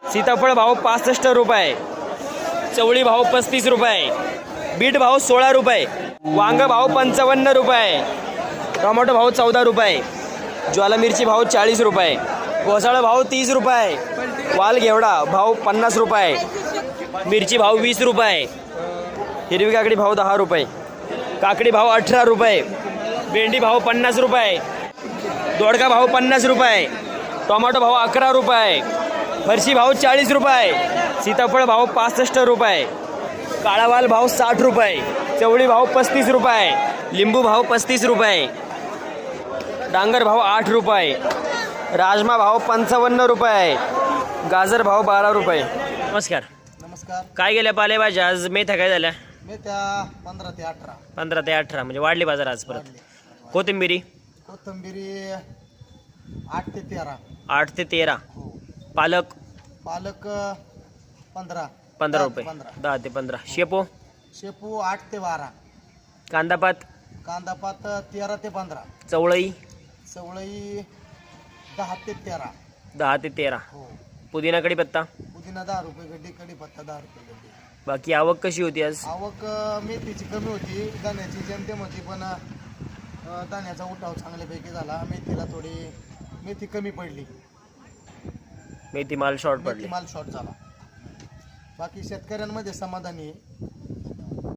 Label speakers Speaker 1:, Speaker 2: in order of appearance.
Speaker 1: सीताफळ भाव 65 रुपये, चवळी भाव 35 रुपये, बीट भाव 16 रुपये, वांग भाव 55 रुपये, टोमॅटो भाव 14 रुपये, ज्वाला मिरची भाव 40 रुपये, घोसाळा भाव 30 रुपये, वाल घेवडा भाव 50 रुपये, मिरची भाव 20 रुपये, हिरवी काकडी भाव 10 रुपये, काकडी भाव 18 रुपये, भेंडी भाव 50 रुपये, दोडका भाव 50 रुपये, टोमॅटो भाव 11 रुपये, फरशी भाव 40 रुपये, सीताफळ भाव 65 रुपये, काळा वाल भाव 60 रुपये, चवळी भाव 35 रुपये, लिंबू भाव 35 रुपये, डांगर भाव 8 रुपये, राजमा भाव 55 रुपये, गाजर भाव 12 रुपये. नमस्कार.
Speaker 2: नमस्कार.
Speaker 1: काय गेल्या पालेभाज्या आज मेथ्या काय झाल्या?
Speaker 2: मेथ्या 15 ते 18.
Speaker 1: 15 ते 18 म्हणजे वाढली बाजार आज परत. कोथिंबिरी
Speaker 2: कोथिंबिरी 8 ते 13.
Speaker 1: 8 ते 13.
Speaker 2: हो.
Speaker 1: पालक
Speaker 2: पालक 15.
Speaker 1: 15 रुपये. 10 ते 15. शेपू
Speaker 2: शेपू 8 ते 12.
Speaker 1: कांदापात
Speaker 2: कांदापात 13 ते 15.
Speaker 1: चवळई
Speaker 2: चवळई 10 ते 13.
Speaker 1: 10 ते 13.
Speaker 2: हो.
Speaker 1: पुदिना कढीपत्ता
Speaker 2: पुदिना 10 रुपये गड्डी, कढीपत्ता 10 रुपये गड्डी.
Speaker 1: बाकी आवक कशी होती आज?
Speaker 2: आवक मेथीची कमी होती, दाण्याची जेमतेम होती, पण दाण्याचा उठाव चांगल्यापैकी झाला. मेथीला थोडी मेथी कमी पडली,
Speaker 1: मेथी माल शॉर्ट
Speaker 2: मेथी
Speaker 1: पडली.
Speaker 2: माल शॉर्ट झाला. बाकी शेतकऱ्यांमध्ये समाधानी आहे.